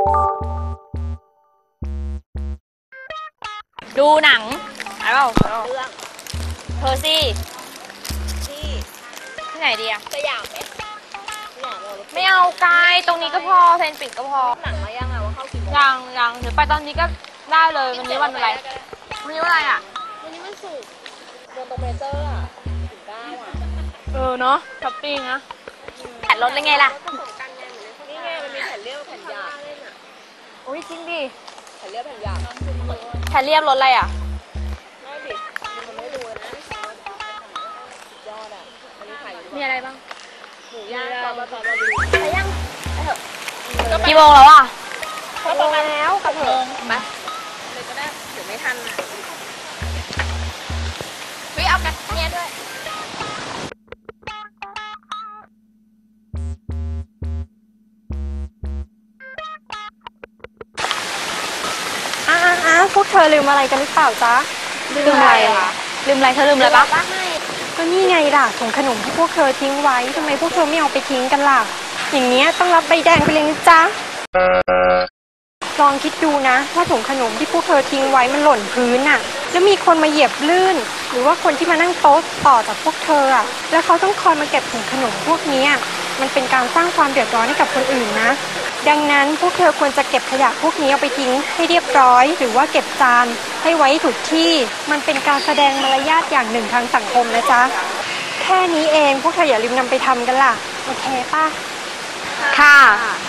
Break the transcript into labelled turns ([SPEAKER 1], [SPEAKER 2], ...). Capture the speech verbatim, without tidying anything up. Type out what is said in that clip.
[SPEAKER 1] ดูหนังอะไรเปล่าเรื่องเธอสิที่ที่ไหนดีอะสยามไหมสยามเราไม่เอาไกลตรงนี้ก็พอเซนปิดก็พอหนังมายังอะว่าเข้ากี่โมงยังยังหรือไปตอนนี้ก็ได้เลยวันนี้วันอะไรวันนี้วันอะไรอะวันนี้วันศุกร์เดินตรงเมเจอร์อะถึงเก้าอะเออเนาะช้อปปิ้งนะแผ่นรถเลยไงล่ะนี่ไงมันมีแผ่นเรียบแผ่นหยาบโอ้ยจริงดิแผ่นเรียบแผ่นหยาบแผ่นเรียบรถอะไรอ่ะไม่ดิมันไม่ดูนะยอดอ่ะอันนี้ขายมีอะไรบ้างหมูย่างตอนมาตอนมาดูไปยังไปเถอะกี่โมงแล้วอ่ะก็ประมาณแล้วกับเถอะไปเลยก็ได้เดี๋ยวไม่ทันอ่ะเฮ้ยเอากันเนี่ยด้วย
[SPEAKER 2] อ้าวพวกเธอลืมอะไรกันหรือเปล่าจ๊ะ
[SPEAKER 1] ลืมอะไรอ่ะลืมอะไรเธอลืมอะไรปะ
[SPEAKER 2] ก็นี่ไงล่ะถุงขนมที่พวกเธอทิ้งไว้ทำไมพวกเธอไม่เอาไปทิ้งกันล่ะอย่างเนี้ยต้องรับใบแดงไปเลยนะจ๊ะลองคิดดูนะว่าถุงขนมที่พวกเธอทิ้งไว้มันหล่นพื้นน่ะแล้วมีคนมาเหยียบลื่นหรือว่าคนที่มานั่งโต๊ะต่อจากพวกเธออ่ะแล้วเขาต้องคอยมาเก็บถุงขนมพวกนี้มันเป็นการสร้างความเดือดร้อนให้กับคนอื่นนะดังนั้นพวกเธอควรจะเก็บขยะพวกนี้เอาไปทิ้งให้เรียบร้อยหรือว่าเก็บจานให้ไว้ถูกที่มันเป็นการแสดงมารยาทอย่างหนึ่งทางสังคมนะจ๊ะแค่นี้เองพวกเธออย่าลืมนำไปทำกันล่ะโอเคป่ะ
[SPEAKER 1] ค่ะ